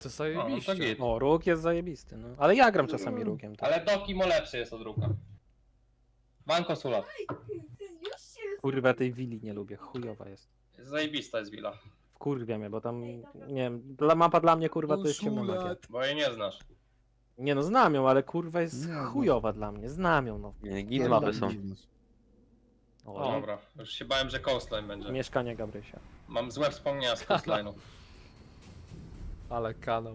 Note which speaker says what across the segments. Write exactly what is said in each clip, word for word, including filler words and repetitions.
Speaker 1: To
Speaker 2: No,
Speaker 1: zajebiście.
Speaker 2: to git.
Speaker 3: O, róg jest zajebisty, no. Ale ja gram czasami rógiem. Tak.
Speaker 2: Ale Dokimo lepszy jest od Ruka. Banko Sulat.
Speaker 3: Kurwa, tej willi nie lubię, chujowa jest.
Speaker 2: Zajebista jest willa.
Speaker 3: Wkurwia mnie, bo tam, nie wiem, dla, mapa dla mnie kurwa to jest ciemna magia.
Speaker 2: Bo jej nie znasz.
Speaker 3: Nie no, znam ją, ale kurwa jest
Speaker 4: Nie, no.
Speaker 3: chujowa dla mnie, znam ją no.
Speaker 5: Nie, git mapy są.
Speaker 3: O,
Speaker 2: Dobra, już się bałem, że coastline będzie.
Speaker 3: mieszkanie Gabrysia.
Speaker 2: Mam złe wspomnienia z coastline'u.
Speaker 1: Ale kanał.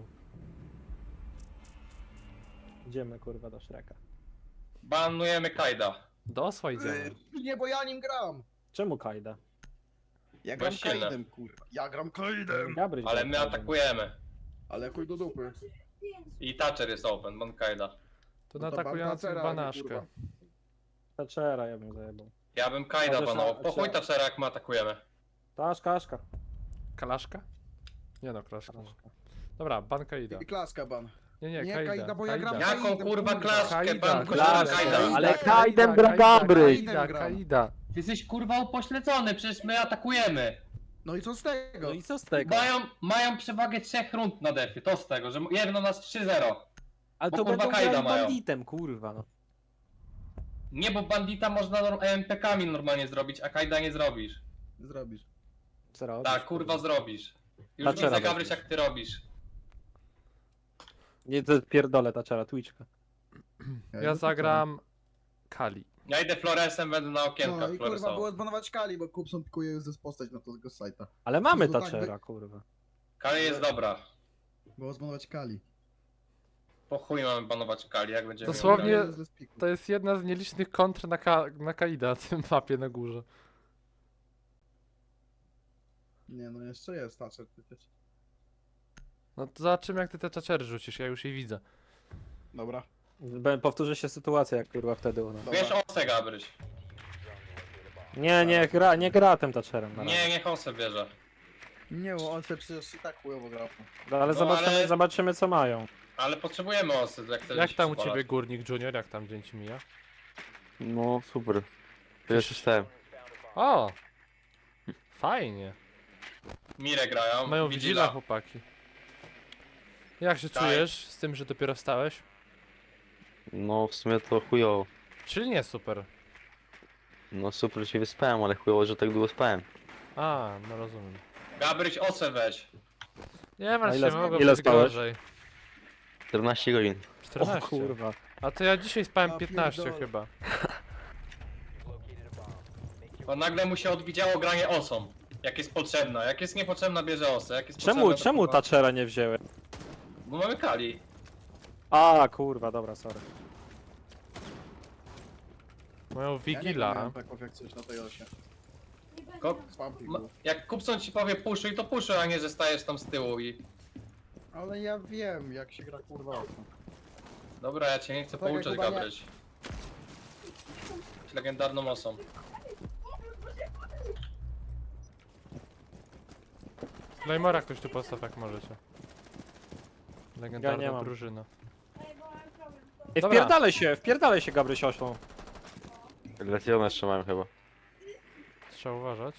Speaker 3: Idziemy kurwa do Shreka.
Speaker 2: Banujemy Kaida.
Speaker 1: Do osła idziemy.
Speaker 4: Nie, bo ja nim gram.
Speaker 3: Czemu Kajda?
Speaker 4: Ja
Speaker 2: Bo
Speaker 4: gram
Speaker 2: jest silny.
Speaker 4: Kaidem, kurwa. Ja gram Kaidem.
Speaker 3: Gabryś
Speaker 2: Ale
Speaker 3: gra
Speaker 2: my
Speaker 3: Kajdem.
Speaker 2: atakujemy.
Speaker 4: Ale chuj do dupy.
Speaker 2: I Thatcher jest open, ban Kaida.
Speaker 1: To
Speaker 4: No to
Speaker 1: atakujący
Speaker 4: Bartacera,
Speaker 1: banaszkę.
Speaker 4: kurwa.
Speaker 3: Thatchera ja bym zajebał.
Speaker 2: Ja bym Kaida
Speaker 3: Chociaż
Speaker 2: banował.
Speaker 3: na-
Speaker 2: Po chuj
Speaker 3: trzeba-
Speaker 2: Thatchera jak my atakujemy.
Speaker 3: Taszka, Aszka.
Speaker 1: Kalaszka? Nie no, klaszka.
Speaker 3: Taszka.
Speaker 1: Dobra, ban Kaida.
Speaker 4: I klaska ban.
Speaker 1: Nie, nie,
Speaker 4: Nie,
Speaker 1: Kaida.
Speaker 4: Kaida, bo ja gram-
Speaker 2: Jaką
Speaker 4: Kaidem,
Speaker 2: kurwa
Speaker 4: kurwa.
Speaker 2: klaszkę,
Speaker 1: Kaida,
Speaker 2: ban kościoła
Speaker 3: klaszkę.
Speaker 2: Kaida.
Speaker 3: Ale
Speaker 1: Kaida,
Speaker 3: Kaidem gra
Speaker 1: Kaida,
Speaker 3: Gabryś.
Speaker 1: Kaida,
Speaker 4: gram.
Speaker 1: Kaida.
Speaker 2: Ty jesteś kurwa upośledzony, przecież my atakujemy.
Speaker 4: No i co z tego?
Speaker 3: No i co z tego?
Speaker 2: Mają, mają przewagę trzech rund na defie, to z tego, że jedno nas trzy zero.
Speaker 3: Ale
Speaker 2: bo
Speaker 3: to
Speaker 2: kurwa
Speaker 3: będą
Speaker 2: Kaida
Speaker 3: grali
Speaker 2: mają.
Speaker 3: banditem, kurwa no.
Speaker 2: Nie, bo bandita można norm- M P K-ami normalnie zrobić, a Kaida nie zrobisz.
Speaker 4: Zrobisz.
Speaker 3: Zrobisz,
Speaker 2: Tak, kurwa zrobisz. Już
Speaker 3: Thatchera
Speaker 2: widzę, Gabryś,
Speaker 3: weźmiesz.
Speaker 2: jak ty robisz.
Speaker 3: Nie, to pierdolę Thatchera, Twitchka.
Speaker 1: Ja zagram Kali.
Speaker 2: Ja idę Floresem, będę na okienkach
Speaker 4: No i kurwa
Speaker 2: Floresował.
Speaker 4: było zbanować Kali, bo Kupson pikuje już ze postać na tego sajta.
Speaker 3: Ale mamy
Speaker 4: To tak
Speaker 3: Thatchera, kurwa.
Speaker 2: Kali jest dobra.
Speaker 4: Było zbanować Kali.
Speaker 2: Po chuj mamy banować Kali, jak będziemy
Speaker 1: Dosłownie-
Speaker 2: ją
Speaker 4: Kali jest bez piku.
Speaker 1: To jest jedna z nielicznych kontr na, ka na Kaida, na tym mapie na górze.
Speaker 4: Nie no, jeszcze jest Thatcher przecież.
Speaker 1: No to zobaczymy jak ty te czaczery rzucisz, ja już jej widzę.
Speaker 4: Dobra.
Speaker 3: Be- Powtórzy się sytuacja jak kurwa wtedy u nas.
Speaker 4: Dobra.
Speaker 2: Wiesz Osę, Gabryś.
Speaker 3: Nie, nie gra, nie gra tym Thatcherem na razie.
Speaker 2: Nie, niech Osę bierze.
Speaker 4: Nie, bo on się przecież i tak chujowo gra.
Speaker 3: No, ale
Speaker 2: No,
Speaker 3: zobaczymy,
Speaker 2: ale-
Speaker 3: zobaczymy co mają.
Speaker 2: Ale potrzebujemy Osy, jak chcesz
Speaker 1: Jak
Speaker 2: się
Speaker 1: tam u
Speaker 2: przypalać.
Speaker 1: ciebie Górnik Junior, jak tam dzień ci mija?
Speaker 5: No super. Pierwszy stałem.
Speaker 1: O! Fajnie.
Speaker 2: Mire grają,
Speaker 1: Mają
Speaker 2: Vigila.
Speaker 1: Vigila chłopaki. Jak się
Speaker 2: Tak.
Speaker 1: czujesz z tym, że dopiero wstałeś?
Speaker 5: No w sumie to chujowo.
Speaker 1: Czyli nie super.
Speaker 5: No super się wyspałem, ale chujowo, że tak długo spałem.
Speaker 1: A, no rozumiem.
Speaker 2: Gabryś, Osę weź.
Speaker 1: Nie martw
Speaker 3: ile
Speaker 1: się,
Speaker 3: sp-
Speaker 1: mogło
Speaker 3: ile
Speaker 1: być
Speaker 3: spałeś?
Speaker 1: gorzej.
Speaker 5: czternaście godzin.
Speaker 3: O
Speaker 1: czternaście.
Speaker 3: kurwa.
Speaker 1: A to ja dzisiaj spałem
Speaker 4: Ja
Speaker 1: piętnaście
Speaker 4: pierdolę.
Speaker 1: chyba.
Speaker 2: Bo nagle mu się odwidziało granie Osą. Jak jest potrzebna, jak jest niepotrzebna bierze Osę, jak jest
Speaker 3: Czemu,
Speaker 2: potrzebna, to
Speaker 3: czemu
Speaker 2: kurwa-
Speaker 3: Thatchera nie wzięły?
Speaker 2: Bo mamy Kali.
Speaker 3: A kurwa, dobra, sorry.
Speaker 1: Mają
Speaker 4: Ja nie
Speaker 1: Vigila.
Speaker 4: gram peków jak coś na tej osie.
Speaker 2: Ko-
Speaker 4: Spam
Speaker 2: ma-
Speaker 4: piku.
Speaker 2: jak Kupson ci powie puszuj, to puszuj, a nie, że stajesz tam z tyłu i...
Speaker 4: Ale ja wiem jak się gra kurwa osą.
Speaker 2: Dobra, ja cię nie chcę
Speaker 4: Tak,
Speaker 2: pouczyć,
Speaker 4: Kuba, nie-
Speaker 2: Gabryś. Jesteś legendarną osą.
Speaker 1: Claymora ktoś tu postaw jak możecie. Legendarna
Speaker 3: Ja nie mam.
Speaker 1: drużyna.
Speaker 3: Ej,
Speaker 1: Dobra.
Speaker 3: wpierdalaj się, wpierdalaj się Gabryś oślą.
Speaker 5: Legiona jeszcze mam chyba.
Speaker 1: Trzeba uważać.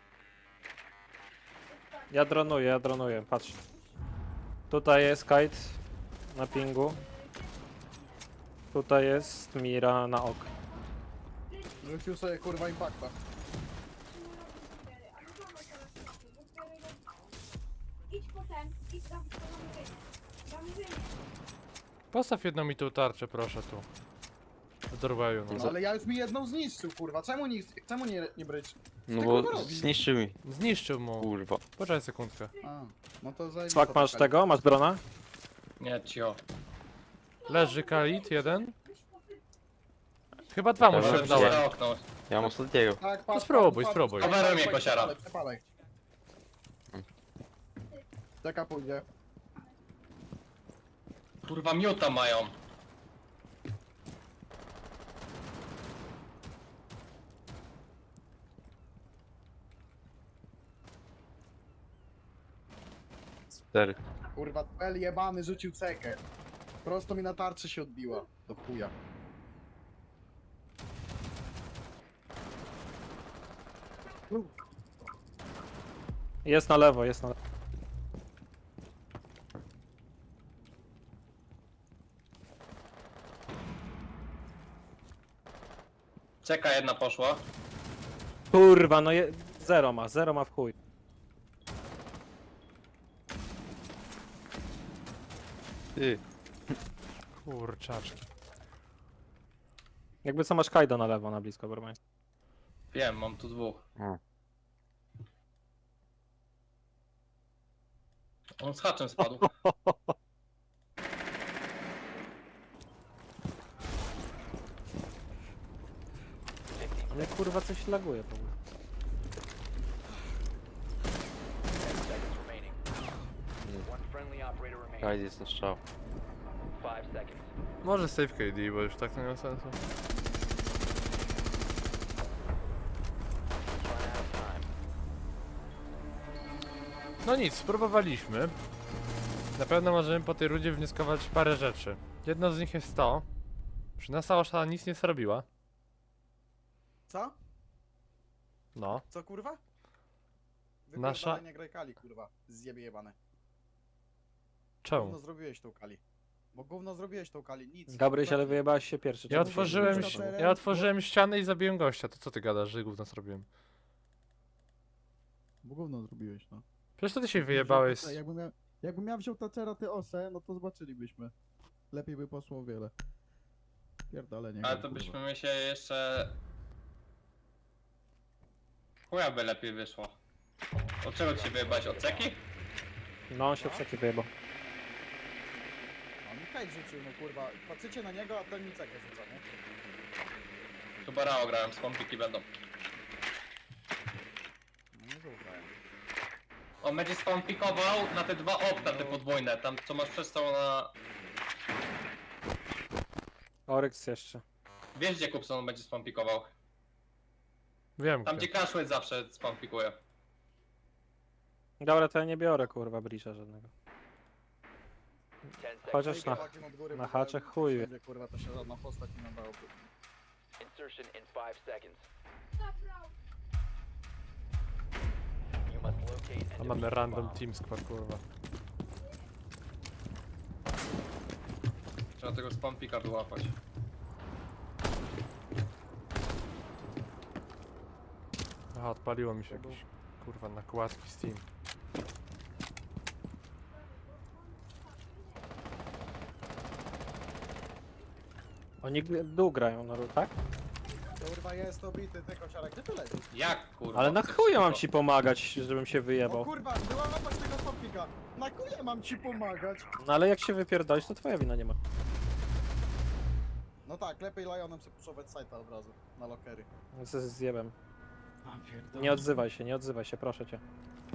Speaker 3: Ja dronuję, ja dronuję, patrz. Tutaj jest kite na pingu. Tutaj jest Mira na ok.
Speaker 4: Rzucił sobie kurwa impacta.
Speaker 6: Idź potem, idź tam, tam wyjdzie.
Speaker 1: Postaw jedną mi tu tarczę proszę tu. Dorwaju no.
Speaker 4: No, ale ja już mi jedną zniszczył kurwa. Czemu nie, czemu nie, nie brać?
Speaker 5: No
Speaker 4: ty,
Speaker 5: bo
Speaker 4: kurwa, robisz?
Speaker 5: zniszczył mi.
Speaker 1: Zniszczył mu.
Speaker 5: Kurwa.
Speaker 1: Poczekaj sekundkę.
Speaker 4: A, no to zajmij.
Speaker 3: Swak, masz tego? Masz drona?
Speaker 2: Nie, cio.
Speaker 1: Leży Kalit jeden. Chyba dwa mu
Speaker 5: Dobra,
Speaker 1: się
Speaker 5: dobra.
Speaker 1: udało.
Speaker 2: Za okno.
Speaker 5: Ja mam ostatniego.
Speaker 4: Tak, patrz,
Speaker 1: spróbuj,
Speaker 4: patrz,
Speaker 1: spróbuj.
Speaker 4: patrz,
Speaker 2: Coveruj mnie,
Speaker 4: patrz,
Speaker 2: kosiara.
Speaker 4: przepalaj, przepalaj. Czeka pójdzie.
Speaker 2: Kurwa, miuta mają.
Speaker 5: Cztery.
Speaker 4: Kurwa, L jebany rzucił cekę. Prosto mi na tarczy się odbiła. Do chuja.
Speaker 3: Jest na lewo, jest na lewo.
Speaker 2: Czeka, jedna poszła.
Speaker 3: Kurwa, no je... zero ma, zero ma w chuj.
Speaker 5: Ty,
Speaker 1: Kurczaczki.
Speaker 3: Jakby co masz Kaido na lewo, na blisko, Bormań.
Speaker 2: Wiem, mam tu dwóch.
Speaker 5: o.
Speaker 2: On z haczem spadł.
Speaker 3: Ale kurwa coś laguje w ogóle.
Speaker 7: ten seconds remaining. One friendly operator remaining.
Speaker 5: Kajdy jest na strzał.
Speaker 7: Five seconds.
Speaker 1: Może save K D, bo już tak to nie ma sensu.
Speaker 7: Run out of time.
Speaker 1: No nic, spróbowaliśmy. Na pewno możemy po tej rundzie wnioskować parę rzeczy. Jedno z nich jest to, że nasza osza nic nie zrobiła.
Speaker 4: Co?
Speaker 1: No.
Speaker 4: Co kurwa?
Speaker 1: Nasza-
Speaker 4: Nasza... nie graj Kali, kurwa. Zjebie jebane.
Speaker 1: Czemu?
Speaker 4: Gówno zrobiłeś tą Kali. Bo gówno zrobiłeś tą Kali, nic.
Speaker 3: Gabryś, ale wyjebałeś się pierwszy.
Speaker 1: Ja
Speaker 3: czemu
Speaker 1: otworzyłem,
Speaker 3: się
Speaker 4: Dobra,
Speaker 3: wyjebałeś?
Speaker 1: ja otworzyłem ścianę i zabiłem gościa. To co ty gadasz, że gówno zrobiłem?
Speaker 4: Bo gówno zrobiłeś, no.
Speaker 1: Przecież to ty się wyjebałeś. z-
Speaker 4: Jakbym ja, jakbym ja wziął Thatchera, ty osę, no to zobaczylibyśmy. Lepiej by poszło o wiele. Pierdolę, nie
Speaker 2: Ale
Speaker 4: gram,
Speaker 2: to
Speaker 4: kurwa.
Speaker 2: byśmy my się jeszcze... Chuja by lepiej wyszło. Od czego ci wyjebać? Od ceki?
Speaker 3: No, on się w seki wyjebał.
Speaker 4: No mi kajt rzucił, no kurwa. Patrzycie na niego, a ten mi cekę rzuca, nie?
Speaker 2: Tu Barao grałem, skąpiki będą.
Speaker 4: No nie zaufałem.
Speaker 2: On będzie spawnpikował na te dwa okna, te podwójne, tam co masz przez całą na...
Speaker 3: Oryx jeszcze.
Speaker 2: Wiesz gdzie Kupson on będzie spawnpikował?
Speaker 1: Wiem
Speaker 2: Tam
Speaker 1: gdzie.
Speaker 2: gdzie Crashway zawsze spawnpikuje.
Speaker 3: Dobra, to ja nie biorę kurwa brisza żadnego.
Speaker 7: ten seconds.
Speaker 3: Chociaż na,
Speaker 4: Chłopakiem od góry
Speaker 3: na
Speaker 4: powiedziałem,
Speaker 3: haczek
Speaker 4: że
Speaker 3: chuj.
Speaker 4: wszędzie, kurwa, to się żadna postać nie nadałoby.
Speaker 7: Insertion in five seconds.
Speaker 6: Zabrał.
Speaker 7: You must locate
Speaker 1: A
Speaker 7: and
Speaker 1: mamy
Speaker 7: defuse the
Speaker 1: random
Speaker 7: bomb.
Speaker 1: team squad, kurwa.
Speaker 2: Trzeba tego spawnpika wyłapać.
Speaker 1: Aha, odpaliło mi się jakieś, kurwa, nakładki Steam.
Speaker 3: Oni g- dół grają na ró- tak?
Speaker 4: Kurwa, jest obity, ty kosiarek, gdzie ty leżysz?
Speaker 2: Jak kurwa?
Speaker 3: Ale na
Speaker 2: chcesz
Speaker 3: chuja mam
Speaker 2: szybko?
Speaker 3: ci pomagać, żebym się
Speaker 4: O
Speaker 3: wyjebał.
Speaker 4: kurwa, była łapać tego stopnika. Na kule mam ci pomagać.
Speaker 3: No ale jak się wypierdolisz, to twoja wina nie ma.
Speaker 4: No tak, lepiej Lionem sobie puszować sajta od razu, na lokery.
Speaker 3: Ze zjebem. Nie odzywaj się, nie odzywaj się, proszę cię.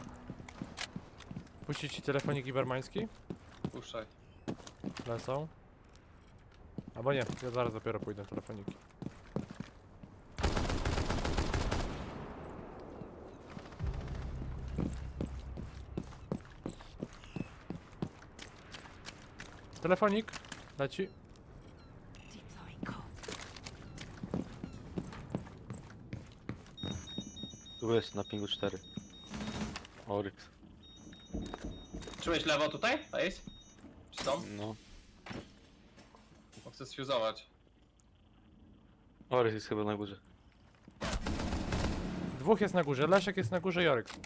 Speaker 1: Puścić ci telefonik ibermański?
Speaker 2: Puszczaj.
Speaker 1: Lecą. Albo nie, ja zaraz dopiero pójdę w telefoniki. Telefonik, leci.
Speaker 5: Tu jest na pingu cztery. Oryx.
Speaker 2: Czułeś lewo tutaj? Ace? Czy są?
Speaker 5: No.
Speaker 2: Bo chcę sfuzować.
Speaker 5: Oryx jest chyba na górze.
Speaker 1: Dwóch jest na górze, Leszek jest na górze i Oryx.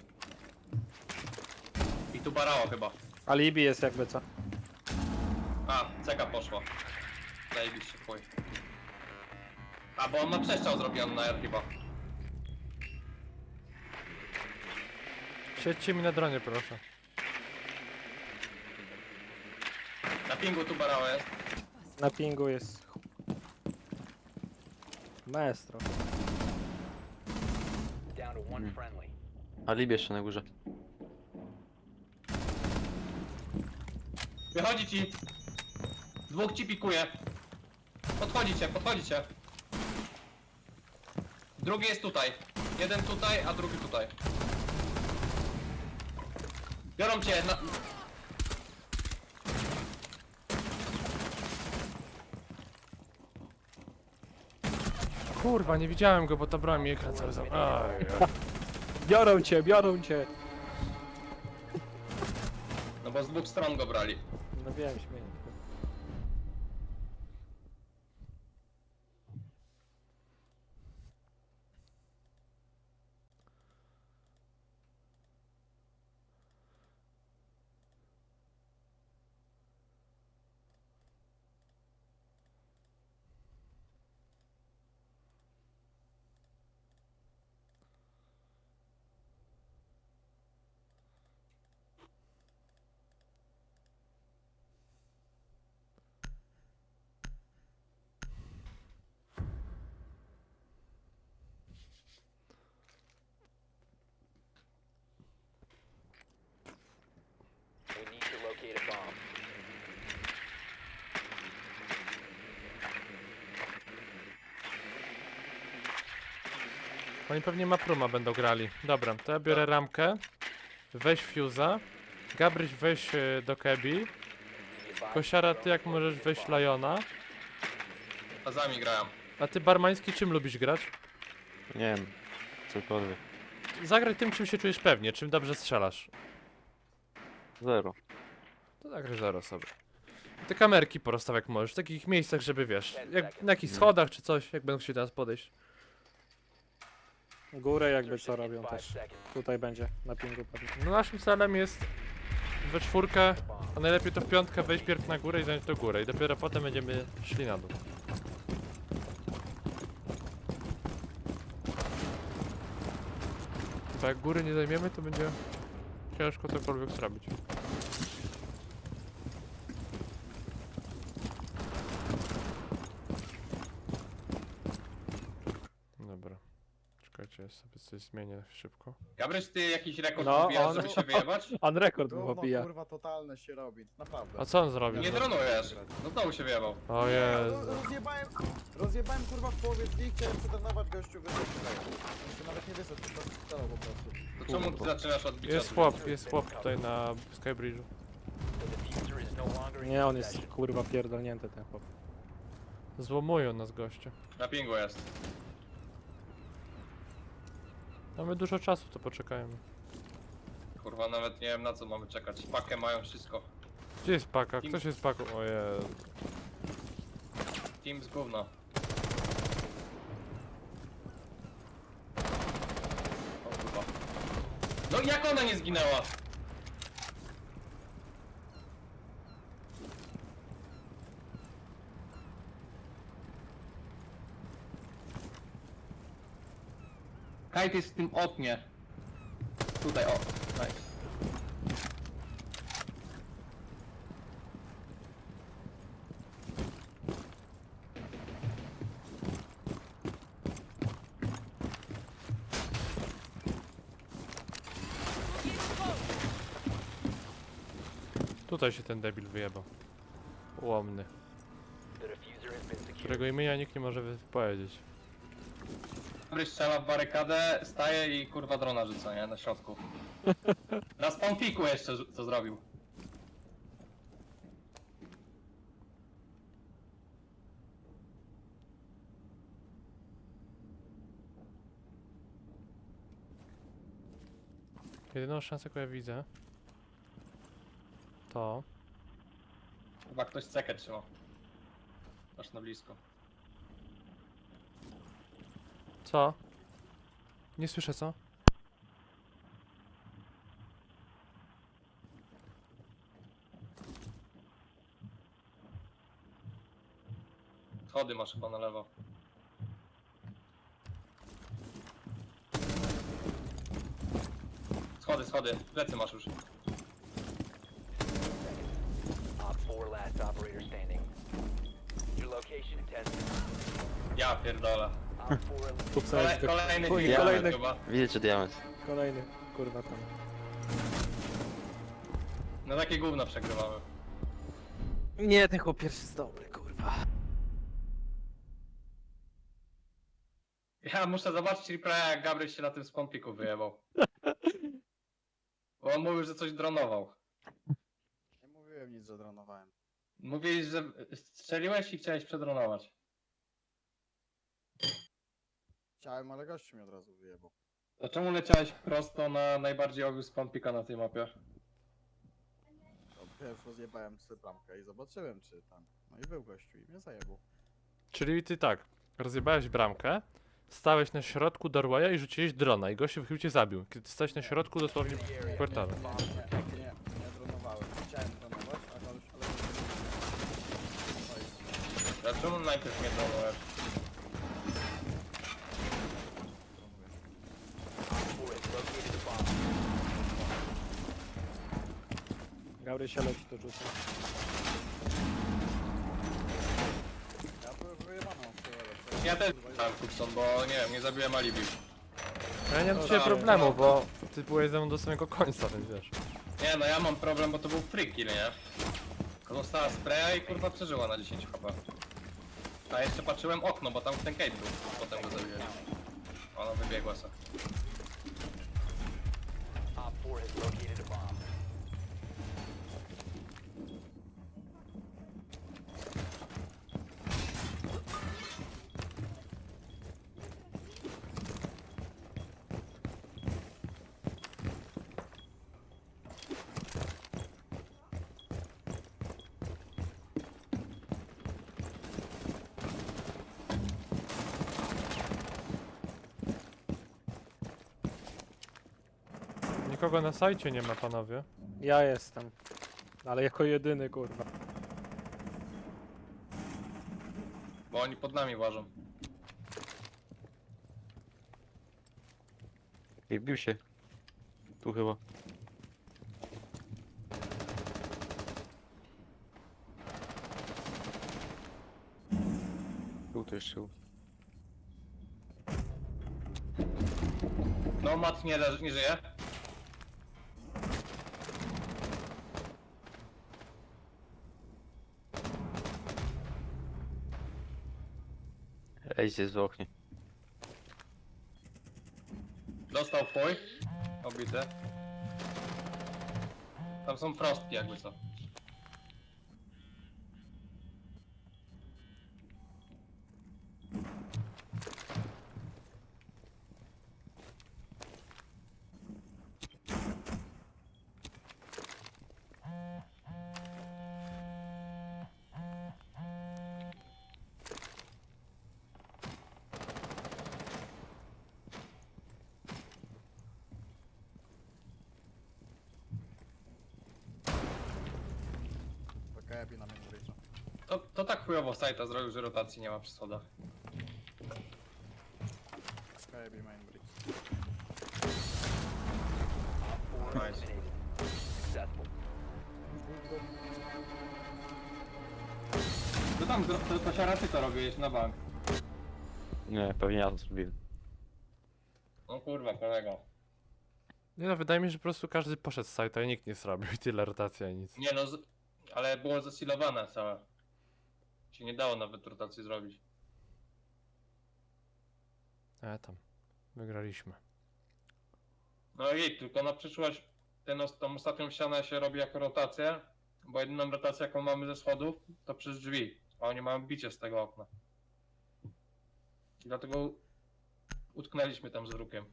Speaker 2: I tu Barao chyba.
Speaker 3: Alibi jest jakby co.
Speaker 2: A, ceka poszła. Zajebiście, chuj. A, bo on ma przestrzał zrobiony na R chyba.
Speaker 1: Siedźcie mi na dronie, proszę.
Speaker 2: Na pingu tu Barao jest.
Speaker 3: Na pingu jest... Maestro.
Speaker 7: Down to one friendly.
Speaker 5: Alibi jeszcze na górze.
Speaker 2: Wychodzi ci. Dwóch ci pikuje. Podchodzicie, podchodzicie. Drugi jest tutaj. Jeden tutaj, a drugi tutaj. Biorą cię na...
Speaker 1: Kurwa, nie widziałem go, bo ta broń mi ekran cały za... Aj, aj.
Speaker 3: Biorą cię, biorą cię!
Speaker 2: No bo z dwóch stron go brali.
Speaker 3: No wiem, śmieję.
Speaker 7: locate a bomb.
Speaker 1: Oni pewnie Mapruma będą grali. Dobra, to ja biorę ramkę. Weź Fuse'a. Gabryś weź y, do Kebi.
Speaker 7: Be advised,
Speaker 1: Kosiara, ty jak możesz wejść Liona.
Speaker 2: Fazami grają.
Speaker 1: A ty Barmański czym lubisz grać?
Speaker 5: Nie wiem. Cokolwiek.
Speaker 1: Zagraj tym, czym się czujesz pewnie, czym dobrze strzelasz.
Speaker 5: Zero.
Speaker 1: To zagraj zero sobie. Te kamerki porozstaw jak możesz, w takich miejscach, żeby wiesz, jak na jakichś schodach czy coś, jak będą chcieli teraz podejść.
Speaker 3: Górę jakby co
Speaker 7: Insertion in
Speaker 3: robią
Speaker 7: five
Speaker 3: też.
Speaker 7: seconds.
Speaker 3: Tutaj będzie, na pingu pewnie.
Speaker 1: No naszym celem jest we czwórkę, a najlepiej to w piątkę wejść pierw na górę i zająć do góry i dopiero potem będziemy szli na dół. Bo jak góry nie zajmiemy, to będzie ciężko cokolwiek zrobić. Dobra. Czekajcie, ja sobie coś zmienię szybko.
Speaker 2: Gabryś, ty jakiś rekord
Speaker 3: No,
Speaker 2: pobijasz,
Speaker 3: on-
Speaker 2: żeby się wyjebać?
Speaker 3: On rekord
Speaker 4: Gówno,
Speaker 3: pobija.
Speaker 4: kurwa, totalne się robi, naprawdę.
Speaker 1: A co on zrobił?
Speaker 2: Nie dronujesz. No znowu się wyjebał.
Speaker 1: O
Speaker 4: No,
Speaker 1: Jezu.
Speaker 4: rozjebałem, rozjebałem kurwa w połowie dni, chciałem przetrenować gościu wyszedł. On się nawet nie wyszedł, tylko strzelał po prostu.
Speaker 2: To czemu ty zaczynasz od bicia?
Speaker 1: Jest chłop, jest chłop tutaj na Skybridge'u.
Speaker 7: The diffuser is no longer in
Speaker 3: Nie, on jest
Speaker 7: possession.
Speaker 3: kurwa pierdolnięty ten chłop.
Speaker 1: Złomują nas goście.
Speaker 2: Na pingu jest.
Speaker 1: Mamy dużo czasu, to poczekajmy.
Speaker 2: Kurwa, nawet nie wiem na co mamy czekać. Pakę mają wszystko.
Speaker 1: Gdzie jest paka? Ktoś jest paką? O Jezu.
Speaker 2: Team z gówna. O kurwa. No jak ona nie zginęła? Kajt jest w tym oknie. Tutaj, o. Nice.
Speaker 1: Tutaj się ten debil wyjebał. Ułomny.
Speaker 7: The diffuser has been secured.
Speaker 1: Którego imienia nikt nie może powiedzieć.
Speaker 2: Dobry strzela w barykadę, staje i kurwa drona rzuca, nie? Na środku. Na spawnpiku jeszcze rzu- to zrobił.
Speaker 1: Jedyną szansę, jaką ja widzę, to...
Speaker 2: Chyba ktoś cekę trzyma. Aż na blisko.
Speaker 1: Co? Nie słyszę, co?
Speaker 2: Schody masz chyba na lewo. Schody, schody. Plecy masz już.
Speaker 7: Op four last operator standing. Your location in ten seconds.
Speaker 2: Ja pierdolę.
Speaker 7: Op four eliminated.
Speaker 3: Tu
Speaker 2: Kole,
Speaker 3: sobie
Speaker 2: kolejny
Speaker 3: Chuj,
Speaker 2: team
Speaker 3: kolejny.
Speaker 2: chyba.
Speaker 5: Widzicie diament.
Speaker 3: kolejny, kurwa tam.
Speaker 2: No takie gówno przegrywamy.
Speaker 3: Nie, ten chłop pierwszy jest dobry, kurwa.
Speaker 2: Ja muszę zobaczyć replaya, jak Gabryś się na tym spawnpiku wyjebał. Bo on mówił, że coś dronował.
Speaker 4: Nie mówiłem nic, że dronowałem.
Speaker 2: Mówiłeś, że strzeliłeś i chciałeś przedronować.
Speaker 4: Chciałem, ale gościu mnie od razu wyjebał.
Speaker 2: To czemu leciałeś prosto na najbardziej obvious spawnpika na tej mapie?
Speaker 4: To Pierwszy rozjebałem sobie bramkę i zobaczyłem, czy tam. No i był gościu i mnie zajebał.
Speaker 1: Czyli ty tak, rozjebałeś bramkę, stałeś na środku doorwaya i rzuciłeś drona i gościu chyba cię zabił, kiedy stałeś na środku dosłownie portalu.
Speaker 4: Nie, nie, nie dronowałem. Chciałem dronować, ale już... Ale...
Speaker 2: Dlaczego najpierw nie dronowałeś?
Speaker 7: Op four has located a bomb.
Speaker 3: Gaury się leci to rzuca.
Speaker 4: Ja byłem wyjebany od tego.
Speaker 2: Ja też dałem Cookson, bo nie wiem, nie zabiłem alibi.
Speaker 1: Ja nie mam
Speaker 2: No
Speaker 1: dzisiaj
Speaker 2: tak,
Speaker 1: problemu,
Speaker 2: no.
Speaker 1: bo ty byłeś ze mną do samego końca, więc wiesz.
Speaker 2: Nie no, ja mam problem, bo to był free kill, nie? Dostała spraya i kurwa przeżyła na dziesięć H P. A jeszcze patrzyłem okno, bo tam ten Kate był. Potem go zabiłem. Ona wybiegła sobie.
Speaker 7: Op four has located a bomb.
Speaker 1: Nikogo na sajcie nie ma, panowie.
Speaker 3: Ja jestem. Ale jako jedyny, kurwa.
Speaker 2: Bo oni pod nami łażą.
Speaker 5: I wbił się. Tu chyba. Tu to jeszcze.
Speaker 2: No mat nie, leży, nie żyje.
Speaker 5: Ej, jest w oknie.
Speaker 2: Dostał fuj. Obity. Tam są frostki jakby co.
Speaker 4: Kajabi na main bridge.
Speaker 2: To, to tak chujowo sajta zrobił, że rotacji nie ma przy schodach.
Speaker 4: Kajabi main bridge.
Speaker 7: Op four
Speaker 2: Nice.
Speaker 7: eliminated. Successful.
Speaker 2: To tam, to, to, to siara ty to robiłeś na bank.
Speaker 5: Nie, pewnie ja to zrobiłem.
Speaker 2: No kurwa, kolego.
Speaker 1: Nie no, wydaje mi się, że po prostu każdy poszedł z sajta i nikt nie zrobił i tyle rotacja i nic.
Speaker 2: Nie no, z... ale było zasilowane całe. Się nie dało nawet rotacji zrobić.
Speaker 1: E tam, wygraliśmy.
Speaker 2: No i tylko na przyszłość ten, os- tą ostatnią ścianę się robi jako rotację, bo jedyną rotację jaką mamy ze schodów to przez drzwi, a oni mają bicie z tego okna. I dlatego utknęliśmy tam z rukiem.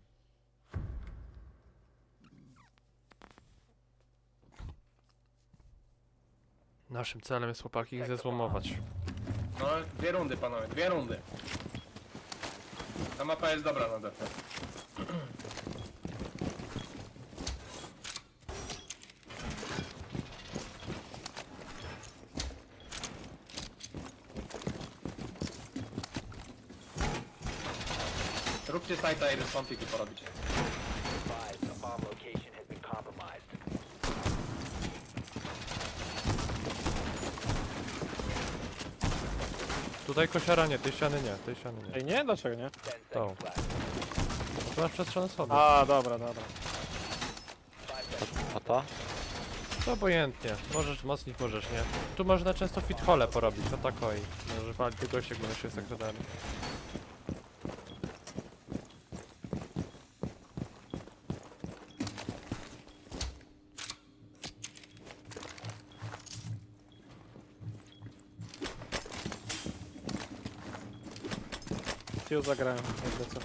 Speaker 1: Naszym celem jest chłopaki ich zezłomować.
Speaker 2: No dwie rundy panowie, dwie rundy. Ta mapa jest dobra na defę. Róbcie sajta i responsiki porobić.
Speaker 7: Advised, a bomb location has been compromised.
Speaker 1: Tutaj kosiara nie, tej ściany nie, tej ściany nie.
Speaker 3: Ej, nie? Dlaczego nie?
Speaker 7: Ten
Speaker 1: To.
Speaker 7: seconds left.
Speaker 1: Tu masz przestrzeń schody.
Speaker 3: A, dobra, dobra.
Speaker 7: Five seconds.
Speaker 5: A ta?
Speaker 1: To obojętnie, możesz mocnić, możesz nie. Tu można często fit hole porobić, to tak oj. Może walić do gościa, jak będą się sekretami.
Speaker 3: Tiu zagrałem, jakby co.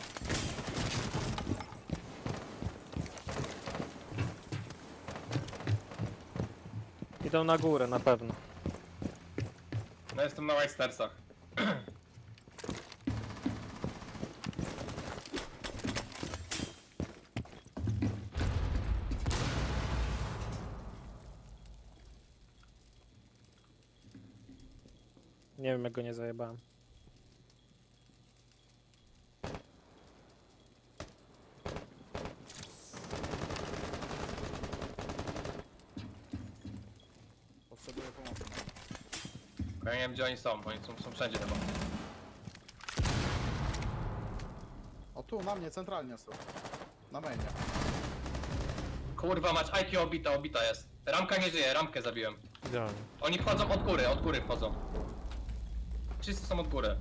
Speaker 3: Idą na górę, na pewno.
Speaker 2: No jestem na White
Speaker 3: Nie wiem, jak go nie zajebałem.
Speaker 4: Potrzebuję pomocy.
Speaker 2: Ja nie wiem gdzie oni są, bo oni są, są wszędzie chyba.
Speaker 4: O tu, na mnie, centralnie są. Na mainie.
Speaker 2: Kurwa, mać I Q obita, obita jest. Ramka nie żyje, ramkę zabiłem.
Speaker 1: Idealnie.
Speaker 2: Oni wchodzą od góry, od góry wchodzą. Wszyscy są od góry.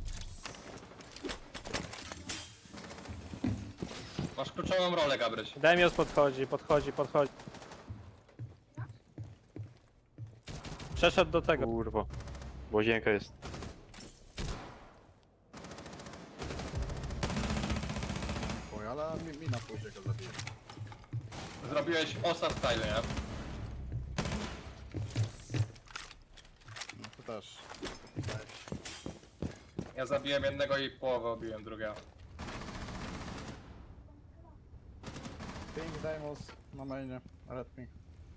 Speaker 2: Masz kluczową rolę, Gabryś.
Speaker 3: Demios podchodzi, podchodzi, podchodzi. Przeszedł do tego.
Speaker 5: Kurwa. Łazienka jest.
Speaker 4: Oj, ale mi, mi na pójdzie go zabiję.
Speaker 2: Zrobiłeś osa style, nie?
Speaker 4: No to też.
Speaker 2: Ja zabiłem jednego i połowę obiłem drugiego.
Speaker 4: Ping, Deimos na mainie. Red ping.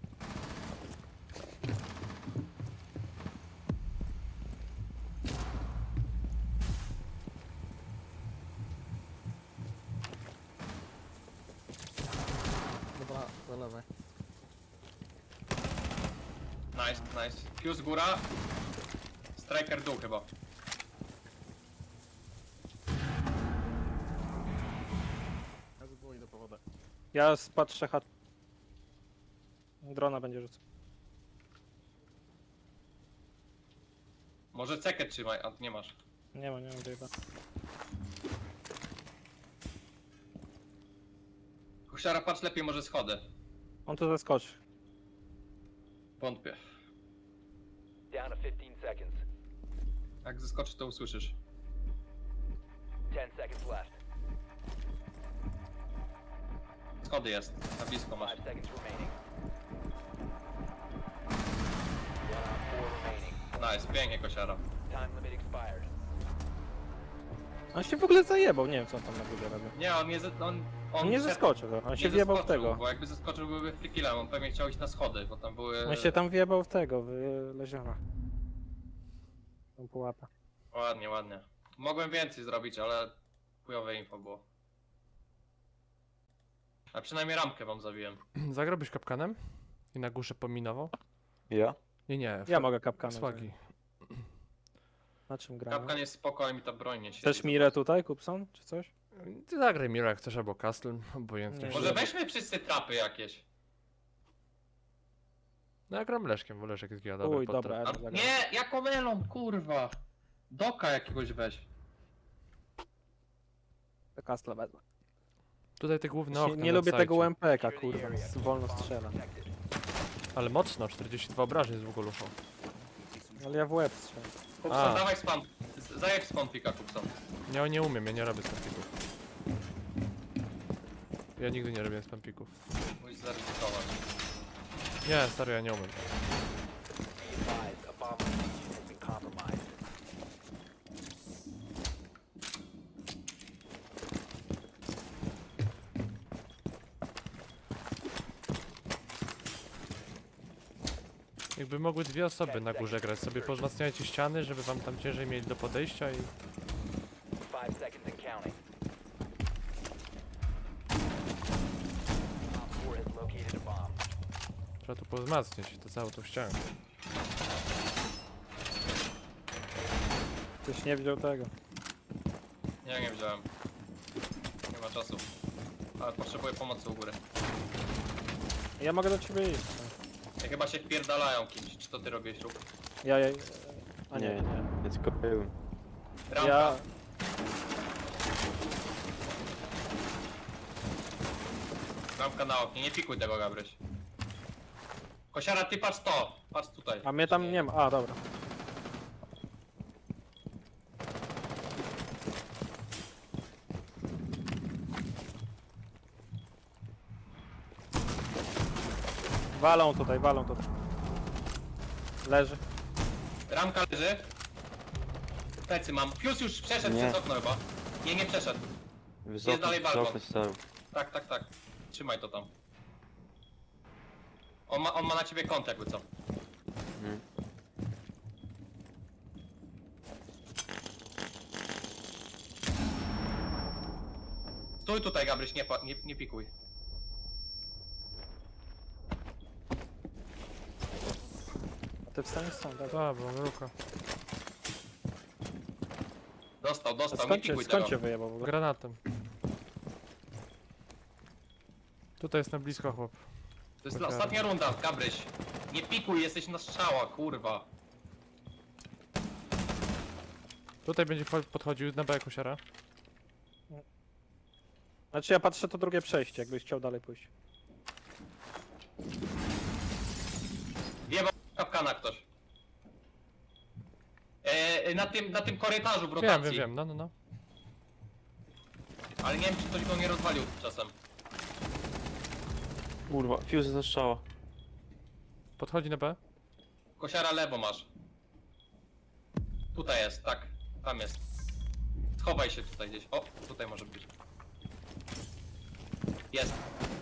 Speaker 4: Dobra, do lewej.
Speaker 2: Nice, nice. Fuse góra. Striker dół chyba.
Speaker 4: Ja z góry idę po wodę.
Speaker 3: Ja spatrzę chat. Drona będzie rzucał.
Speaker 2: Może cekę trzymaj, a nie masz.
Speaker 3: Nie ma, nie ma chyba.
Speaker 2: Husiara, patrz lepiej, może schody.
Speaker 3: On tu zaskoczy.
Speaker 2: Wątpię.
Speaker 7: Down to fifteen seconds.
Speaker 2: Jak zeskoczy, to usłyszysz.
Speaker 7: ten seconds left.
Speaker 2: Schody jest, na blisko masz.
Speaker 7: five seconds remaining. one on four remaining.
Speaker 2: Nice, pięknie, kosiara.
Speaker 7: Time limit expired.
Speaker 3: On się w ogóle zajebał, nie wiem co on tam na górze robił.
Speaker 2: Nie, on nie, ze- on,
Speaker 3: On nie
Speaker 2: szedł-
Speaker 3: zeskoczył, on
Speaker 2: nie
Speaker 3: się wjebał w
Speaker 2: zeskoczył,
Speaker 3: tego.
Speaker 2: Bo jakby zeskoczył, byłby free killem, on pewnie chciał iść na schody, bo tam były...
Speaker 3: On się tam wjebał w tego, w leziona. Tą pułapę.
Speaker 2: Ładnie, ładnie. Mogłem więcej zrobić, ale chujowe info było. A przynajmniej ramkę wam zabiłem.
Speaker 1: Zagrałbyś kapkanem? I na górze pominował?
Speaker 5: Ja?
Speaker 1: Nie, nie.
Speaker 3: Ja mogę kapkanem.
Speaker 1: Swagi.
Speaker 3: Na czym gramy?
Speaker 2: Kapkan jest spoko, ale mi ta broń nie siedzi.
Speaker 3: Chcesz Mirę tutaj, Kupson, czy coś?
Speaker 1: Ty zagraj Miro jak chcesz, albo Castle, obojętnie.
Speaker 3: Nie.
Speaker 2: Może weźmy wszyscy trapy jakieś.
Speaker 1: No ja gram Leszkiem, bo Leszek jest giga dobry
Speaker 3: Uj,
Speaker 1: pod
Speaker 3: dobra,
Speaker 1: trap.
Speaker 2: A,
Speaker 3: ja zagram.
Speaker 2: nie, jako melon, kurwa. Doka jakiegoś weź.
Speaker 3: To Kastla wezmę.
Speaker 1: Tutaj te główne
Speaker 3: Nie,
Speaker 1: okna
Speaker 3: nie
Speaker 1: na
Speaker 3: lubię tego
Speaker 1: sajcie.
Speaker 3: U M P K, kurwa, z- wolno strzela.
Speaker 1: Ale mocno, czterdzieści dwa obrażeń z Wugoluszą.
Speaker 3: Ale ja w łeb strzelam.
Speaker 2: Kupson,
Speaker 1: A.
Speaker 2: dawaj spam. Z- Zajeb spam pika, Kupson.
Speaker 1: Nie, nie umiem, ja nie robię spampików. Ja nigdy nie robię spampików.
Speaker 2: Musisz zaryzykować.
Speaker 1: Nie, stary, ja nie umiem.
Speaker 7: Be advised, a bomb location has been compromised.
Speaker 1: Jakby mogły dwie osoby na górze grać, sobie pozmacniajcie ściany, żeby wam tam ciężej mieli do podejścia i...
Speaker 7: five seconds and counting. Op four has located a bomb.
Speaker 1: Trzeba tu pozmacniać, to całą tą ścianę.
Speaker 3: Ktoś nie widział tego.
Speaker 2: Nie, nie wziąłem. Nie ma czasu. Ale potrzebuję pomocy u góry.
Speaker 3: Ja mogę do ciebie iść.
Speaker 2: Ja chyba się wpierdalają kimś. Czy to ty robisz lub?
Speaker 3: Ja, ja... A nie,
Speaker 5: Nie,
Speaker 3: nie.
Speaker 5: nie. Ja tylko byłem.
Speaker 2: Ramka.
Speaker 3: Ja...
Speaker 2: Ramka na oknie. Nie pikuj tego, Gabryś. Kosiara, ty patrz to. Patrz tutaj.
Speaker 3: A mnie tam nie ma. A, dobra. Walą tutaj, walą tutaj. Leży.
Speaker 2: Ramka leży. Plecy mam. Pius już przeszedł
Speaker 5: Nie.
Speaker 2: przez okno chyba. Nie, nie przeszedł.
Speaker 5: Wysoko,
Speaker 2: dalej balkon.
Speaker 5: wysoko stał.
Speaker 2: Tak, tak, tak. Trzymaj to tam. On ma, on ma na ciebie kąt jakby co.
Speaker 5: Mhm.
Speaker 2: Stój tutaj, Gabryś, nie, pa- nie, nie pikuj.
Speaker 3: A ty wstaniesz sam, dobra.
Speaker 1: Dobra, bo ruka.
Speaker 2: Dostał,
Speaker 3: A
Speaker 2: dostał, nie
Speaker 3: skąd cię,
Speaker 2: pikuj
Speaker 3: skąd
Speaker 2: tego.
Speaker 3: cię wyjebał w ogóle?
Speaker 1: Granatem. Tutaj jest na blisko chłop.
Speaker 2: To jest
Speaker 1: Koziara.
Speaker 2: ostatnia runda, Gabryś. Nie pikuj, jesteś na strzała, kurwa.
Speaker 1: Tutaj będzie wcho- podchodził na B kosiara.
Speaker 3: Znaczy ja patrzę to drugie przejście, jakbyś chciał dalej pójść.
Speaker 2: Wjebał kapkana ktoś. E, na, tym, na tym korytarzu w rotacji.
Speaker 1: Wiem, wiem, wiem, no, no, no.
Speaker 2: Ale nie wiem, czy ktoś go nie rozwalił czasem.
Speaker 5: Kurwa, fuse zastrzała.
Speaker 1: Podchodzi na B.
Speaker 2: Kosiara lewo masz. Tutaj jest, tak. Tam jest. Schowaj się tutaj gdzieś. O, tutaj może być. Jest.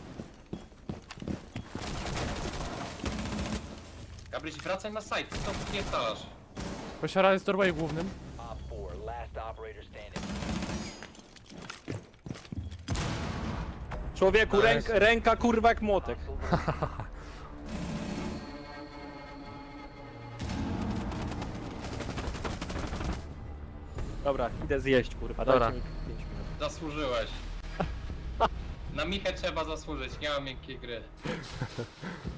Speaker 2: Gabryś, wracaj na site, co nie stalasz?
Speaker 1: Kosiara jest doorway głównym.
Speaker 7: Op four, last operator standing.
Speaker 3: Człowieku,
Speaker 2: Nice.
Speaker 3: ręk, ręka kurwa jak młotek.
Speaker 7: Hostile
Speaker 3: Dobra, idę zjeść kurwa,
Speaker 1: Dobra.
Speaker 3: dajcie mi pięć minut.
Speaker 2: Zasłużyłeś. Na Michę trzeba zasłużyć, nie ma miękkiej gry.